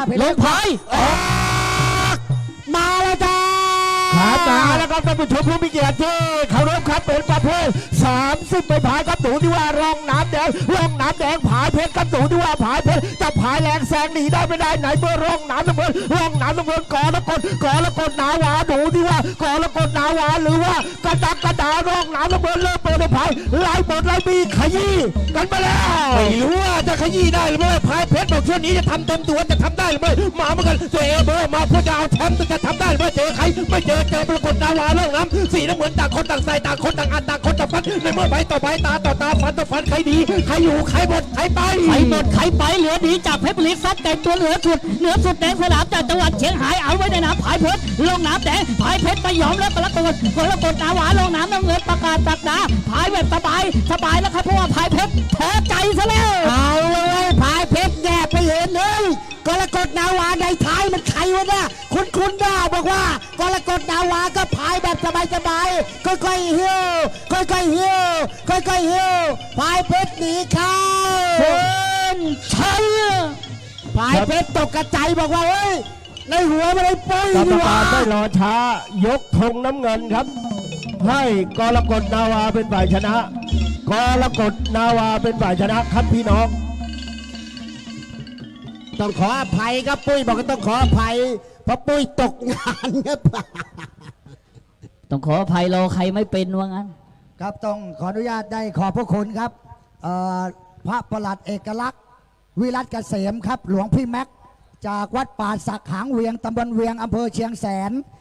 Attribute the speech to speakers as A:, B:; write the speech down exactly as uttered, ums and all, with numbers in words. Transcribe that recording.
A: ลงพายมาแล้วจ้า
B: ครับมาแล้วครับท่านผู้ชมผู้มีเกียรติที่เคารพครับเป็นประเภทสามสิบไปผายครับตูที่ว่าร่องน้ำแดงร่องน้ำแดงผายเพชรครับตูที่ว่าผายเพชรจะผายแรงแซงหนีได้ไม่ได้ไหนเมื่อร่องน้ำน้ำเงินร่องน้ำน้ำเงินกอละกดกอละกดนาวาดูที่ว่ากอละกดนาวาหรือว่ากระดักกระดาร่องน้ำน้ำเงินเริ่มเปิดผายไล่บทไล่บีขยี้กันมาแล้ว
C: ไม่รู้ว่าจะขยี้ได้หรือไม่ผายเพชรบอกช่วงนี้จะทำเต็มตัวจะทำได้หรือไม่มาเหมือนกันตัวเอเบอร์มาเพื่อจะเอาแชมป์จะทำได้หรือไม่เจอใครไม่เจอเจอปรากฏดาวาเรื่องน้ำสีน้ำเหมือนต่างคนต่างใส่ต่างคนต่างอันต่างคนต่างฟันในเมื่อใบต่อใบตาต่อตาฟันต่อฟันใครดีใครอยู่ใครหมดใครไป
A: ใครหมดใครไปเหลือดีจากเพชรบุรีซัดแต่ตัวเหลือสุดเหนือสุดแดงสนามจากจังหวัดเชียงรายเอาไว้ในน้ำผายเพชรลงน้ำแดงผายเพชรไม่ยอมแล้วกระโดดกระโดดนาวาลงน้ำน้ำเงินประกาศตักดาผายแบบสบายสบายแล้วครับเพราะว่าผายเพชรแพ้ใจซะแล้ว
B: เอาเลยผายเพชรแย่ไปเห็นเลยกรกฎนาวาในท้ายมันใครวะเนี่ยคุณคุณด้าบอกว่ากรกฎนาวาก็พายแบบสบายๆค่อยๆเฮี้ยวค่อยๆเฮี้ยวค่อยๆเฮี้ยวพายเพชรหนีเข้า
A: เชิญชัย
B: พายเพชรตกกระจายบอกว่าเฮ้ยในหัวมันเลยปุ้ยกรรมการได้รอช้ายกธงน้ำเงินครับให้กรกฎนาวาเป็นฝ่ายชนะกรกฎนาวาเป็นฝ่ายชนะครับพี่น้องต้องขออภัยครับปุ้ยบอกว่าต้องขออภัยเพราะปุ้ยตกงานครับ
A: ต้องขออภัยรอใครไม่เป็นว่างั้น
D: ครับต้องขออนุญาตได้ขอบพระคุณครับพระประหลัดเอกลักษณ์วิรัตเกษมครับหลวงพี่แม็กจากวัดป่าสักหางเวียงตำบลเวียงอำเภอเชียงแสน